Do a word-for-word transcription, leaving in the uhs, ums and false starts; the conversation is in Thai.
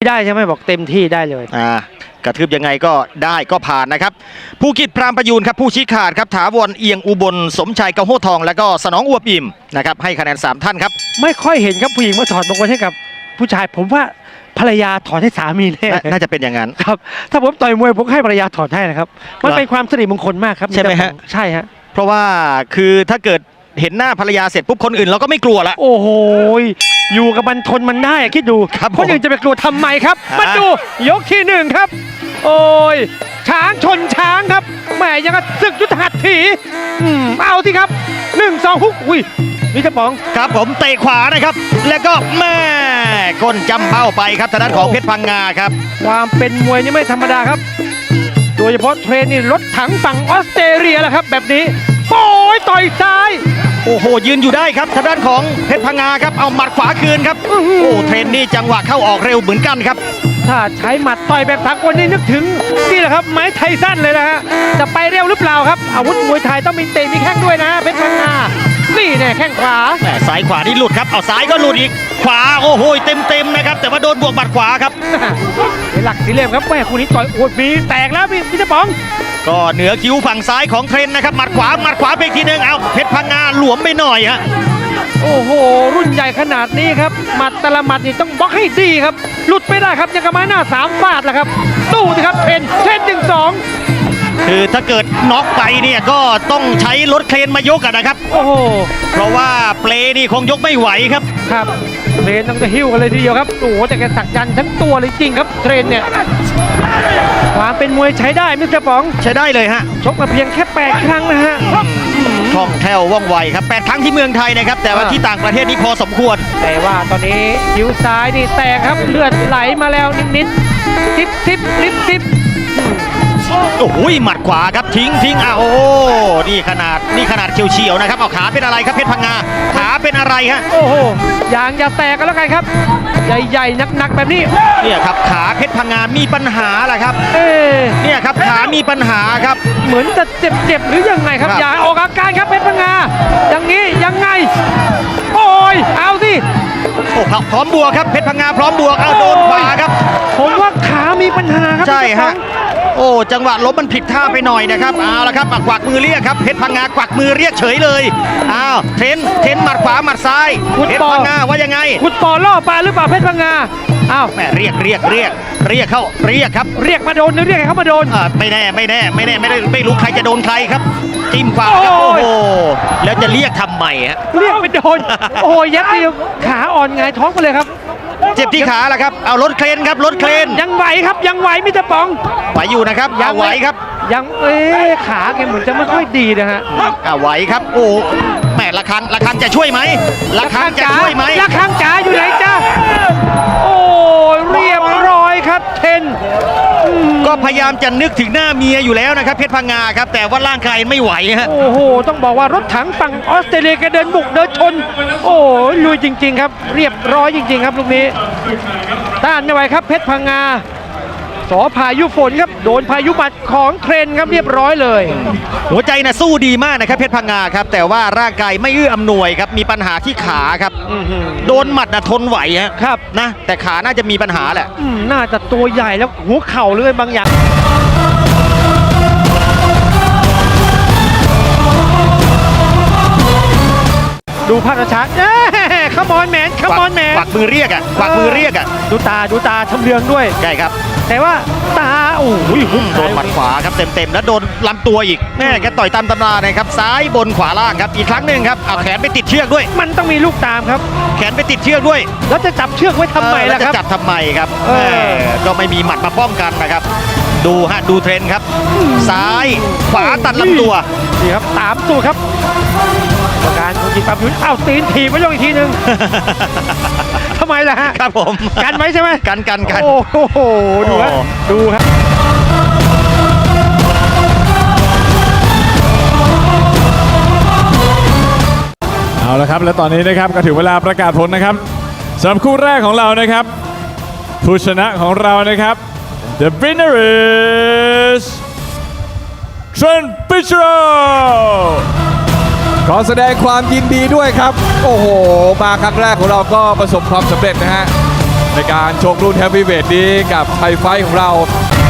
ได้ใช่ไหมบอกเต็มที่ได้เลยอ่ากระทืบยังไงก็ได้ก็ผ่านนะครับภูกิจพรามประยูนครับผู้ชี้ขาดครับถาวรเอียงอุบลสมชายกระโหทองแล้วก็สนองอวบอิ่มนะครับให้คะแนนสามท่านครับไม่ค่อยเห็นครับผู้หญิงมาถอดมงคลให้กับผู้ชายผมว่าภรรยาถอดให้สามีแน่น่าจะเป็นอย่างนั้นครับถ้าผมต่อยมวยผมให้ภรรยาถอดให้นะครับมันเป็นความสิริมงคลมากครับใช่ไหมฮะใช่ฮะเพราะว่าคือถ้าเกิดเห็นหน้าภรรยาเสร็จปุ๊บคนอื่นเราก็ไม่กลัวละโอ้โหอยู่กับมันทนมันได้คิดดูคนอื่นจะไปกลัวทำไมครับมาดูยกที่หนึ่งครับโอ้ยช้างชนช้างครับแหมยังกับศึกยุทธหัตถีอืมเอาสิครับหนึ่งสองฮุกอุ้ยมิสเตอร์ป๋องครับผมเตะขวานะครับแล้วก็แม่ก้นจำเป้าไปครับทางด้านของเพชรพังงาครับความเป็นมวยนี่ไม่ธรรมดาครับโดยเฉพาะเทรนนี่รถถังฝั่งออสเตรเลียแหละครับแบบนี้โอ้ยต่อยซ้ายโอ้โหยืนอยู่ได้ครับทางด้านของเพชรพังงาครับเอาหมัดขวาคืนครับโอ้เทรนนี่จังหวะเข้าออกเร็วเหมือนกันครับถ้าใช้หมัดต่อยแบบสากลนี่นึกถึงนี่แหละครับไม้ไทสันเลยนะฮะจะไปเร็วหรือเปล่าครับอาวุธมวยไทยต้องมีเตะมีแข้งด้วยนะเพชรพังงานี่แน่แข้งขวาแหมซ้ายขวานี่หลุดครับเอาซ้ายก็หลุดอีกขวาโอ้โหเต็มเต็มนะครับแต่ว่าโดนบวกหมัดขวาครับหลักสีเหลี่ยมครับแม่คู่นี้ต่อยโอ้ยมีแตกแล้วพี่พี่เจ้าป๋องก็เหนือคิ้วฝั่งซ้ายของเทรนนะครับหมัดขวาหมัดขวาไปอีกทีนึงเอาเพชรพังงาหลวมไปหน่อยฮะโอ้โหรุ่นใหญ่ขนาดนี้ครับหมัดแต่ละหมัดนี่ต้องบล็อกให้ดีครับหลุดไม่ได้ครับยังกระไม้หน้าสามฟาดแหละครับตู้สิครับเทรนเทรนหนึ่งสองคือถ้าเกิดน็อกไปเนี่ยก็ต้องใช้รถเครนมายกกันนะครับโอ้โหเพราะว่าเปลนี่คงยกไม่ไหวครับครับเทรนต้องจะหิ้วกันเลยทีเดียวครับโอ้โหแต่แกสักยันทั้งตัวเลยจริงครับเทรนเนี่ยความเป็นมวยใช้ได้มิสเตอร์ป๋องใช้ได้เลยฮะชกมาเพียงแค่แปดครั้งนะฮะคล่องแคล่วว่องไวครับแปดครั้งที่เมืองไทยนะครับแต่ว่าที่ต่างประเทศนี่พอสมควรแต่ว่าตอนนี้คิ้วซ้ายนี่แตกครับเลือดไหลมาแล้วนิดๆทิปทิปลิปทิปโอ้โหหมัดขวาครับทิ้งทิ้งอ่ะโอ้นี่ขนาดนี่ขนาดเฉียวๆนะครับเอาขาเป็นอะไรครับเพชรพังงาขาเป็นอะไรฮะโอ้โหยางอย่าแตกกันแล้วกันครับใหญ่ๆหนักๆแบบนี้เนี่ยครับขาเพชรพังงามีปัญหาแหละครับเอเนี่ยครับขามีปัญหาครับเหมือนจะเจ็บๆหรือยังไงครับอย่าออกอาการครับเพชรพังงาอย่างนี้ยังไงโอ้ยเอาสิโอ้พร้อมบวกครับเพชรพังงาพร้อมบวกเอาโดนขวาครับผมว่าขามีปัญหาครับใช่ฮะโอ้จังหวะล้มมันผิดท่าไปหน่อยนะครับเอาละครับกวักมือเรียกครับเพชรพังงากวักมือเรียกเฉยเลยอ้าวเทนเทนหมัดขวาหมัดซ้ายเพชรพังงาว่ายังไงขุดปอล่อปลาหรือเปล่าเพชรพังงาอ้าวแม่เรียกเรียกเรียกเรียกเข้าเรียกครับเรียกมาโดนหรือเรียกเขามาโดนอ่าไม่แน่ไม่แน่ไม่แน่ไม่ได้ไม่รู้ใครจะโดนใครครับจิ้มขวาครับโอ้โหแล้วจะเรียกทำไมฮะเรียกไปโดนโอ้ยยัดเดียวขาอ่อนไงท้องไปเลยครับเจ็บที่ขาแหละครับเอารถเครนครับรถเครนยังไหวครับยังไหวมิสเตอร์ป๋องไหวอยู่นะครับยังไหวครับยังเอ๊ะขาแกเหมือนจะไม่ค่อยดีนะฮะอ่าไหวครับโอ้แม่ละคังละคังจะช่วยไหมละคังจะช่วยไหมละคังจ๋าอยู่ไหนจ้าโอ้เรียบร้อยครับเทนก็พยายามจะนึกถึงหน้าเมียอยู่แล้วนะครับเพชรพังงาครับแต่ว่าร่างกายไม่ไหวฮะโอ้โหต้องบอกว่ารถถังฝั่งออสเตรเลียแกเดินบุกเดินชนโอ้ยลุยจริงๆครับเรียบร้อยจริงๆครับลูกนี้ต้านไม่ไหวครับเพชรพังงาสอพายุฝนครับโดนพายุหมัดของเทรนครับเรียบร้อยเลยหัวใจนะสู้ดีมากนะครับเพชรพังงาครับแต่ว่าร่างกายไม่เอื้ออำนวยครับมีปัญหาที่ขาครับโดนหมัดนะทนไหวฮะครับนะแต่ขาน่าจะมีปัญหาแหละน่าจะตัวใหญ่แล้วหัวเข่าเลยบางอย่างดูภาพช้าๆขมอนแมนขมอนแมนกวักมือเรียกอ่ะกวักมือเรียกอ่ะดูตาดูตาชำเลืองด้วยใช่ครับแต่ว่าตาโอ้ยโดนหมัดขวาครับเต็มๆแล้วโดนลำตัวอีกแม่แกต่อยตามตำรานะครับซ้ายบนขวาล่างครับอีกครั้งหนึ่งครับเอาแขนไปติดเชือกด้วยมันต้องมีลูกตามครับแขนไปติดเชือกด้วยแล้วจะจับเชือกไว้ทำไมล่ะครับจะจับทำไมครับก็ไม่มีหมัดมาป้องกันนะครับดูฮะดูเทรนครับซ้ายขวาตัดลำตัวนี่ครับตามตัวครับการคุณจิตปั๊บยุ้ยอ้าวตีนถีบไปลงอีกทีนึงทำไมล่ะฮะครับผมกันไหมใช่ไหมกันกันกันโอ้โหดูฮะดูฮะเอาละครับและตอนนี้นะครับก็ถึงเวลาประกาศผลนะครับสำหรับคู่แรกของเรานะครับผู้ชนะของเรานะครับ The winner is Trent Pitchrow ขอแสดงความยินดีด้วยครับโอ้โหมาครั้งแรกของเราก็ประสบความสำเร็จนะฮะในการชกรุ่นแฮปปี้เวทนี้กับไทยไฟท์ของเรา